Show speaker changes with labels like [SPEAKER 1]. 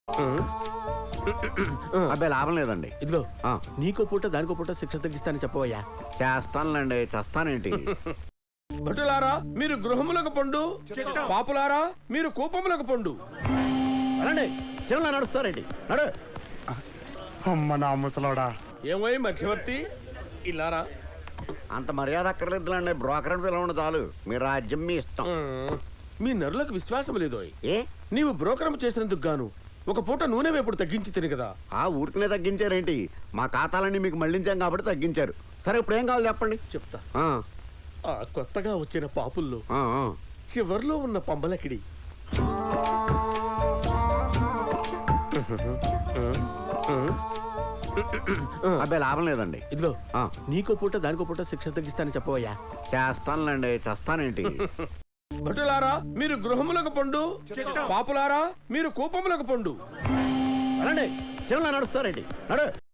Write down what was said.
[SPEAKER 1] అబ్బాయి లాభం లేదండి.
[SPEAKER 2] ఇదిగో నీకో పూట దానికో పూట శిక్ష తగ్గిస్తానని చెప్పవయ్యా.
[SPEAKER 1] చేస్తానులేండి, చేస్తానేంటి?
[SPEAKER 2] భటులారా మీరు గృహములకు పండు, పాపులారా మీరు కూపములకు పండు.
[SPEAKER 1] అలాండి చిన్న నడుస్తారేంటి? నడు.
[SPEAKER 3] అమ్మ నా ముసలోడా.
[SPEAKER 2] ఏమై మధ్యవర్తి ఇల్లారా?
[SPEAKER 1] అంత మర్యాద అక్కర్లేదులండి, బ్రోకర్ పిలవండి చాలు. మీ రాజ్యం మీ ఇష్టం.
[SPEAKER 2] మీ నరులకు విశ్వాసం లేదో?
[SPEAKER 1] ఏ
[SPEAKER 2] నీవు బ్రోకరం చేసినందుకు గాను ఒక పూట నూనె వేపుడు తగ్గించి తిని కదా.
[SPEAKER 1] ఆ ఊరికనే తగ్గించారేంటి? మా ఖాతాలన్నీ మీకు మళ్ళించాం కాబట్టి తగ్గించారు. సరే ఇప్పుడు ఏం కావాలి చెప్పండి.
[SPEAKER 2] చెప్తా.
[SPEAKER 1] ఆ,
[SPEAKER 2] ఆ కొత్తగా వచ్చిన పాపుల్లో
[SPEAKER 1] ఆ, ఆ.
[SPEAKER 2] చివర్లో ఉన్న పంబలకిడి
[SPEAKER 1] అబ్బాయి లాభం లేదండి.
[SPEAKER 2] ఇదిగో
[SPEAKER 1] ఆ,
[SPEAKER 2] నీకో పూట దానికో పూట శిక్ష తగ్గిస్తానని చెప్పవయ్యా.
[SPEAKER 1] చేస్తానులేండి, చేస్తానేంటి?
[SPEAKER 2] భటులారా మీరు గృహములకు పండు, పాపులారా మీరు కూపములకు పండు.
[SPEAKER 1] అలాండి చిన్న నడుస్తారేంటి? నడు.